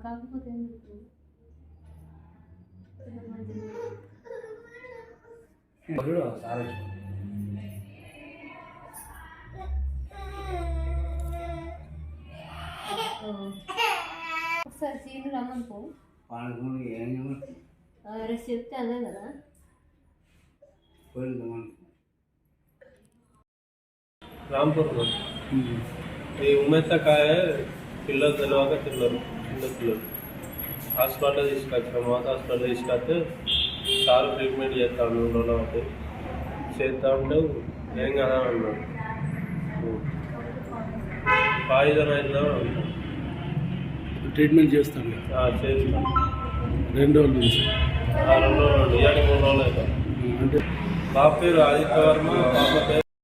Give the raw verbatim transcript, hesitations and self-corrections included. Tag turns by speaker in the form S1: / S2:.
S1: కాకపోతే ఒకసారి సీను రమ్మని పో రేపు చెప్తే అదే కదా
S2: రాంపూర్ ఈ ఉమెత్తకాయ పిల్లలు తెలియక తిన్నారు చిన్న పిల్లలు హాస్పిటల్ తీసుకొచ్చాం మాత హాస్పిటల్ తీసుకొస్తే సార్ ట్రీట్మెంట్ చేస్తాను మూడు రోజులు ఒకటి చేస్తా ఉంటే ఏం కదా అన్నాడు పాయిజన్ అయిందా
S3: ట్రీట్మెంట్ చేస్తాను
S2: చేస్తాను
S3: రెండు రోజుల నుంచి
S2: రెండు రోజులు ఇవాళ మూడు రోజులు అవుతాం
S3: అంటే
S2: బాబు పేరు ఆదిత్య వర్మ పాప పేరు